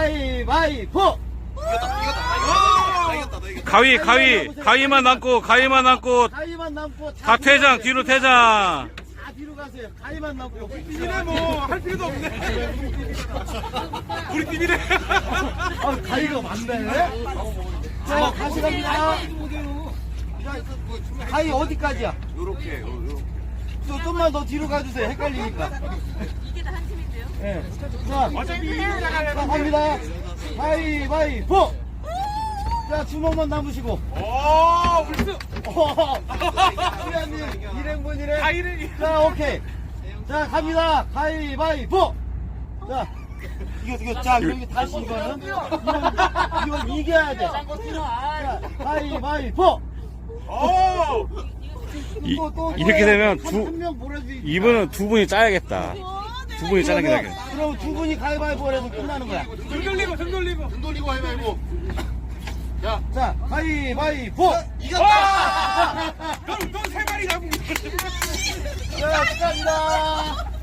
가위바위보. 가위만 남고 가위만 남고 다 퇴장, 뒤로 퇴장. 다 뒤로 가세요. 가위만 남고. 팀이네 뭐 할 필요도 없네. 우리 팀이네. 아, 가위가 많네. 자, 다시 갑니다. 자, 가위 어디까지야? 요렇게. 좀만 더 뒤로 가주세요. 헷갈리니까. 이게 다 한 팀인데요? 예. 자, 자, 갑니다. 가위바위보. 자, 주먹만 남으시고. 오, 울스. 수야님, 일행분이래. 아, 이래. 자, 오케이. 자, 갑니다. 가위바위보. 자, 이거, 자, 여기 다시 이거는. 이건 이겨야 돼. 자, 가위바위보. 오. 이렇게 되면 한명 몰아주기. 이분은 두 분이 짜야겠다. 두 분이 짜는 게 나겠다. 그럼 두 분이 가위바위보 해서 끝나는 거야. 등 돌리고 가위바위보. 자, 가위바위보. 이겼다. 넌세 마리 잡은. 자, 축하합니다.